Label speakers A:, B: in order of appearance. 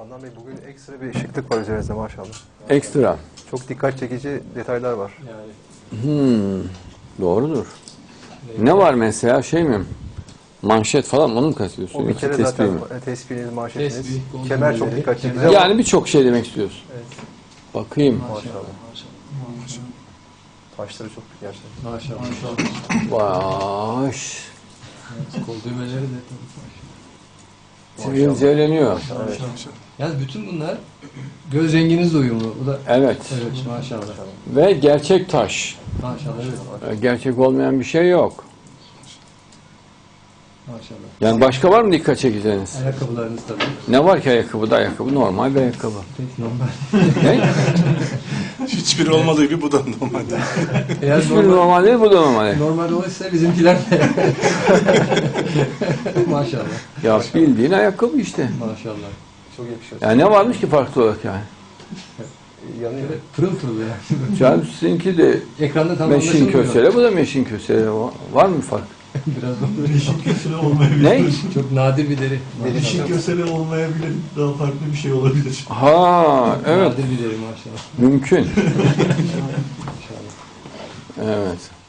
A: Adnan Bey, bugün ekstra bir şıklık var üzerinizde maşallah.
B: Ekstra.
A: Çok dikkat çekici detaylar var.
C: Yani
B: Doğrudur. Ne var mesela, şey mi? Manşet falan, onu mu kastediyorsun?
A: O bir
B: Yoksa
A: kere
B: tespih
A: zaten
B: mi?
A: tespihiniz, manşetiniz.
C: Tespih, golden
A: Kemer çok
C: belleri,
A: dikkat çekici
C: kemer.
A: ama
B: Yani birçok şey demek istiyorsun.
C: evet.
B: Bakayım.
A: maşallah.
C: Maşallah.
A: Taşları çok gerçekten.
C: Maşallah.
B: Baş.
C: Evet, kol düğmeleri de tabii.
B: Sivilceleniyor.
A: Evet.
C: Yalnız bütün bunlar göz renginizle uyumlu. Bu da
B: Evet.
C: evet maşallah.
B: Ve gerçek taş.
C: Maşallah evet.
B: Gerçek olmayan bir şey yok.
C: Maşallah.
B: Yani başka var mı dikkat çekeceğiniz?
C: Ayakkabılarınız tabii.
B: Ne var ki ayakkabıda? Ayakkabı normal bir ayakkabı.
C: Pek normal.
B: Ne?
D: Hiçbiri olmadığı gibi bu da normalde.
C: Eğer
B: Hiçbiri normal değil, bu da normal.
C: normal olursa bizimkiler de. Maşallah.
B: Ya bildiğin ayakkabı işte.
C: Maşallah.
A: Çok yakışıyor.
B: Yani ne varmış ki farklı olarak yani?
A: Yanıyor.
C: Şöyle pırıl pırıl yani.
B: Canım sizinki de
C: Ekranda tam
B: meşin
C: anlaşılmıyor.
B: kösele, bu da meşin kösele. Var mı fark?
C: Biraz da
E: Yeşil kösele olmayabilir.
B: Ne?
C: çok nadir bir deri.
E: Yeşil kösele olmayabilir. Daha farklı bir şey olabilir.
B: Ha, evet.
C: Nadir bir deri maşallah.
B: Mümkün.
C: Maşallah.
B: Evet.